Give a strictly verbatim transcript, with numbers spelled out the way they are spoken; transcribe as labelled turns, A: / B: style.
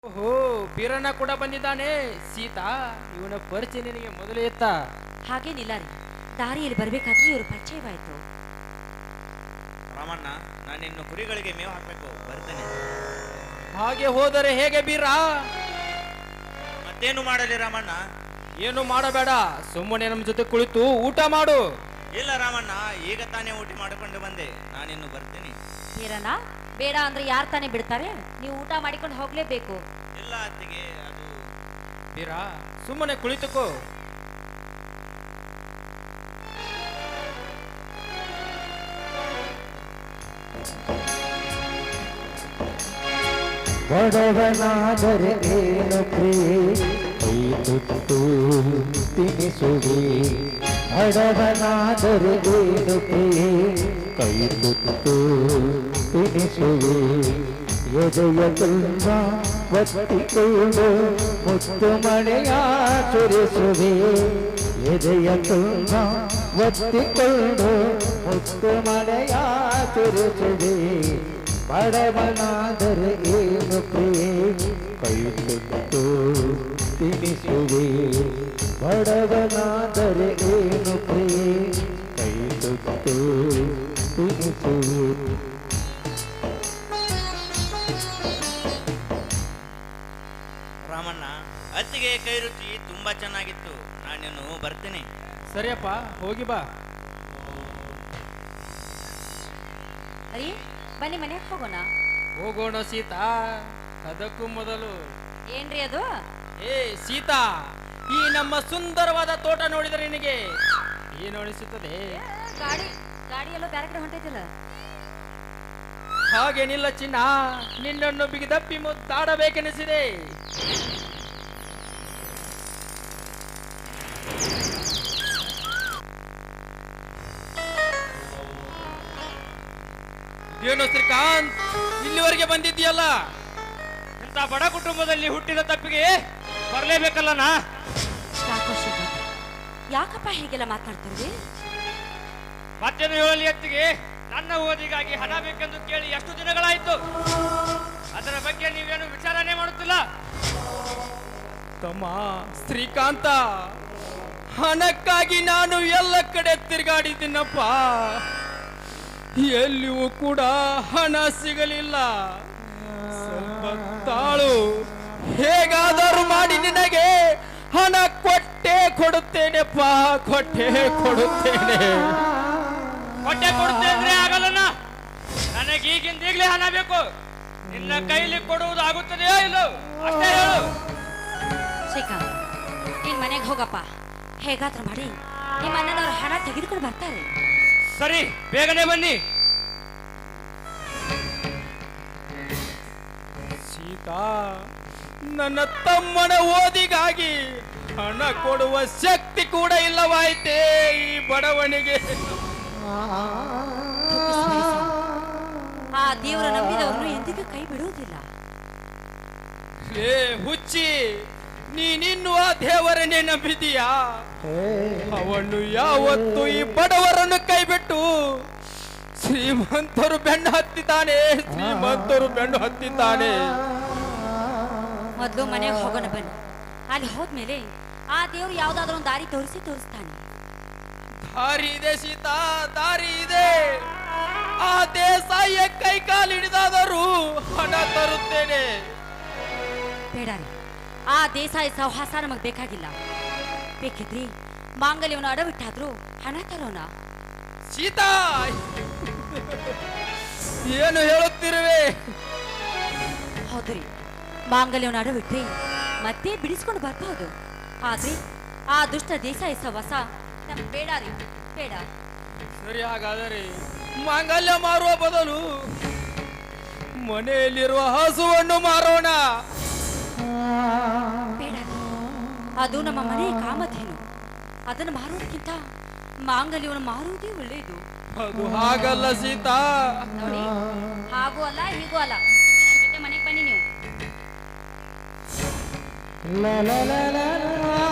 A: ಓಹೋ, ಬೀರಣ್ಣ ಕೂಡ ಬಂದಿದ್ದಾನೆ. ಸೀತಾ, ಇವನ ಪರಿಚಯ ನಿನಗೆ ಮೊದಲೇ ಇತ್ತ?
B: ಹಾಗೇನಿಲ್ಲ ರೀ, ದಾರಿಯಲ್ಲಿ ಬರ್ಬೇಕಾದ್ರೆ ಇವರು ಪರಿಚಯವಾಯ್ತು.
C: ರಾಮಣ್ಣ, ನಾನಿನ್ನು ಕುರಿಗಳಿಗೆ ಮೇವು ಹಾಕಬೇಕು, ಬರ್ತೇನೆ.
A: ಹಾಗೆ ಹೋದರೆ ಹೇಗೆ ಬೀರ?
C: ಮತ್ತೇನು ಮಾಡಲಿ ರಾಮಣ್ಣ?
A: ಏನು ಮಾಡಬೇಡ, ಸುಮ್ಮನೆ ನಮ್ಮ ಜೊತೆ ಕುಳಿತು ಊಟ ಮಾಡು.
C: ಇಲ್ಲ ರಾಮಣ್ಣ, ಈಗ ತಾನೇ ಊಟ ಮಾಡಿಕೊಂಡು ಬಂದೆ, ನಾನಿನ್ನು ಬರ್ತೇನೆ.
B: ಬೀರಣ್ಣ, ಬೇಡ ಅಂದ್ರೆ ಯಾರು ತಾನೇ ಬಿಡ್ತಾರೆ? ನೀವು ಊಟ ಮಾಡಿಕೊಂಡು ಹೋಗ್ಲೇಬೇಕು.
C: ಇಲ್ಲ ಅತ್ತಿಗೆ, ಅದು
A: ಬೀರ, ಸುಮ್ಮನೆ ಕುಳಿತುಕೋ.
D: ಬಡವನಾದರೆ ಏನು ಪ್ರಿಯೆ ಕೈ ತುತ್ತು ತಿನಿಸುವೆ. ಬಡವನಾದರೆ ಏನು ಪ್ರಿಯೆ ಕೈ ತುತ್ತು ತಿನಿಸುವೆ. ಎದೆಯ ತುಂಬ ಒತ್ತಿಕೊಂಡು ಮುತ್ತು ಮಳೆಯ ಸುರಿಸುವೆ. ಎದೆಯ ತುಂಬ ಒತ್ತಿಕೊಂಡು ಮುತ್ತು ಮಳೆಯ ಸುರಿಸುವೆ. ಬಡವನಾದರೆ ಏನು ಪ್ರಿಯೆ ಕೈ ತುತ್ತು ತಿನಿಸುವೆ. ಬಡವನಾದರೆ ಏನು ಪ್ರಿಯೆ ಕೈ ತುತ್ತು ತಿನಿಸುವೆ.
C: ರಾಮಣ್ಣ, ಅತ್ತಿಗೆ ಕೈ ರುಚಿ ತುಂಬಾ ಚೆನ್ನಾಗಿತ್ತು, ನಾನಿನ್ನು ಬರ್ತೇನೆ.
A: ಸರಿಯಪ್ಪ, ಹೋಗಿ ಬಾ.
B: ಅರಿ, ಬನ್ನಿ ಮನೆಗೆ ಹೋಗೋಣ.
A: ಹೋಗೋಣ ಸೀತಾ. ಅದಕ್ಕೂ ಮೊದಲು
B: ಏನ್ರಿ ಅದು?
A: ಏ ಸೀತಾ, ಈ ನಮ್ಮ ಸುಂದರವಾದ ತೋಟ ನೋಡಿದರೆ ನಿನಗೆ ಏನು ಅನಿಸುತ್ತದೆ?
B: ಗಾಡಿ ಗಾಡಿ ಎಲ್ಲೋ ಬೇರೆ ಕಡೆ ಹೊಂಟೈತಿಲ್ಲ.
A: ಹಾಗೇನಿಲ್ಲ ಚಿನ್ನ, ನಿನ್ನನ್ನು ಬಿಗಿದಪ್ಪಿ ಮುದ್ದಾಡಬೇಕೆನಿಸಿದೆ. ಏನು ಶ್ರೀಕಾಂತ್, ಇಲ್ಲಿವರೆಗೆ ಬಂದಿದ್ದೀಯಲ್ಲ?
C: ಇಂಥ ಬಡ ಕುಟುಂಬದಲ್ಲಿ ಹುಟ್ಟಿದ ತಪ್ಪಿಗೆ ಬರಲೇಬೇಕಲ್ಲನಾ?
B: ಯಾಕೋ ಶ್ರೀಕಾಂತ್, ಯಾಕಪ್ಪ ಹೀಗೆಲ್ಲ ಮಾತನಾಡ್ತಿರ್ವಿ?
C: ಮತ್ತೇನು ಹೇಳಲಿ ಅತ್ತಿಗೆ, ನನ್ನ ಓದಿಗಾಗಿ ಹಣ ಬೇಕೆಂದು ಕೇಳಿ ಎಷ್ಟು ದಿನಗಳಾಯಿತು. ಅದರ ಬಗ್ಗೆ ನೀವೇನು ವಿಚಾರಣೆ ಮಾಡುತ್ತಿಲ್ಲ?
A: ತಮ್ಮ ಶ್ರೀಕಾಂತ, ಹಣಕ್ಕಾಗಿ ನಾನು ಎಲ್ಲ ಕಡೆ ತಿರುಗಾಡಿದ್ದೀನಪ್ಪ. ಎಲ್ಲಿಯೂ ಕೂಡ ಹಣ ಸಿಗಲಿಲ್ಲ. ಸ್ವಲ್ಪ ತಾಳು, ಹೇಗಾದರೂ ಮಾಡಿ ನಿನಗೆ ಹಣ ಕೊಟ್ಟೆ ಕೊಡುತ್ತೇನೆಪ್ಪ, ಕೊಟ್ಟೆ ಕೊಡುತ್ತೇನೆ.
C: ಹೊಟ್ಟೆ ಕೊಡುತ್ತೆ ಅಂದ್ರೆ ಆಗಲ್ಲನ? ನನಗೆ ಈಗಿಂದ ಈಗಲೇ ಹಣ ಬೇಕು. ನಿನ್ನ ಕೈಲಿ ಕೊಡುವುದು ಆಗುತ್ತದೆಯೋ ಇಲ್ಲೋ ಅಷ್ಟೇ ಹೇಳು.
B: ಶ್ರೀಕಾಂತ್, ನೀನ್ ಮನೆಗೆ ಹೋಗಪ್ಪ. ಹೇಗಾದ್ರೂ ಮಾಡಿ ನಿಮ್ಮ ಅಣ್ಣನವ್ರ ಹಣ ತೆಗೆದುಕೊಂಡು ಬರ್ತಾರೆ.
C: ಸರಿ, ಬೇಗನೆ ಬನ್ನಿ.
A: ಸೀತಾ, ನನ್ನ ತಮ್ಮನ ಓದಿಗಾಗಿ ಹಣ ಕೊಡುವ ಶಕ್ತಿ ಕೂಡ ಇಲ್ಲವಾಯಿತೇ ಈ ಬಡವನಿಗೆ.
B: ಆ ದೇವರ ನಂಬಿದವರು ಎಂದಿಗೂ ಕೈ ಬಿಡುವುದಿಲ್ಲ.
A: ಏ ಹುಚ್ಚಿ, ನೀನಿನ್ನು ಆ ದೇವರನ್ನೇ ನಂಬಿದೀಯಾ? ಅವನು ಯಾವತ್ತು ಈ ಬಡವರನ್ನು ಕೈಬಿಟ್ಟು ಶ್ರೀಮಂತರು ಬೆನ್ನು ಹತ್ತಿದ್ದಾನೆ, ಶ್ರೀಮಂತರು ಬೆನ್ನು ಹತ್ತಿದ್ದಾನೆ.
B: ಮೊದಲು ಮನೆಗೆ ಹೋಗೋಣ ಬನ್ನಿ. ಅಲ್ಲಿ ಹೋದ್ಮೇಲೆ ಆ ದೇವ್ರು ಯಾವ್ದಾದ್ರು ಒಂದು ದಾರಿ ತೋರಿಸಿ ತೋರಿಸ್ತಾನೆ.
A: ದಾರಿ ಇದೆ ಸೀತಾ, ದಾರಿ ಇದೆ. ಆ ದೇಸಾಯಿಯ ಕೈ ಕಾಲು ಹಿಡಿದಾದರೂ ಹಣ ತರುತ್ತೇನೆ.
B: ಬೇಡ ರೀ, ಆ ದೇಸಾಯಿ ಸಹವಾಸ ನಮಗ್ ಬೇಕಾಗಿಲ್ಲ. ಬೇಕಿದ್ರಿ ಮಾಂಗಲ್ಯವನ್ನು ಅಡವಿಟ್ಟಾದ್ರೂ ಹಣ ತರೋಣ.
A: ಸೀತಾ, ಏನು ಹೇಳುತ್ತಿರುವೆ?
B: ಹೌದ್ರಿ, ಮಾಂಗಲ್ಯವನ್ನು ಅಡವಿಟ್ರಿ ಮತ್ತೆ ಬಿಡಿಸ್ಕೊಂಡು ಬರ್ಬಹುದು. ಆದ್ರೆ ಆ ದುಷ್ಟ ದೇಸಾಯಿ ಸಹವಾಸ ನಮ್ಗೆ ಬೇಡ ರೀ, ಬೇಡ.
A: ಸರಿ, ಹಾಗಾದರೆ ಮಾಂಗಲ್ಯ ಮಾರುವ ಬದಲು ಮನೆಯಲ್ಲಿರುವ ಹಸುವನ್ನು ಮಾರೋಣ.
B: ಬೇಡ ರೀ, ಅದು ನಮ್ಮ ಮನೆಯ ಕಾಮಧೇನು. ಅದನ್ನು ಮಾರೋದಕ್ಕಿಂತ ಮಾಂಗಲ್ಯವನ್ನು ಮಾರುವುದೇ ಒಳ್ಳೆಯದು.
A: ಅದು ಹಾಗಲ್ಲ ಸೀತಾ.
B: ನೋಡಿ, ಹಾಗೂ ಅಲ್ಲ ಹೀಗೂ ಅಲ್ಲ. ನನ್ನ ಜೊತೆ ಮನೆಗೆ ಬನ್ನಿ ನೀವು.
D: La la la la la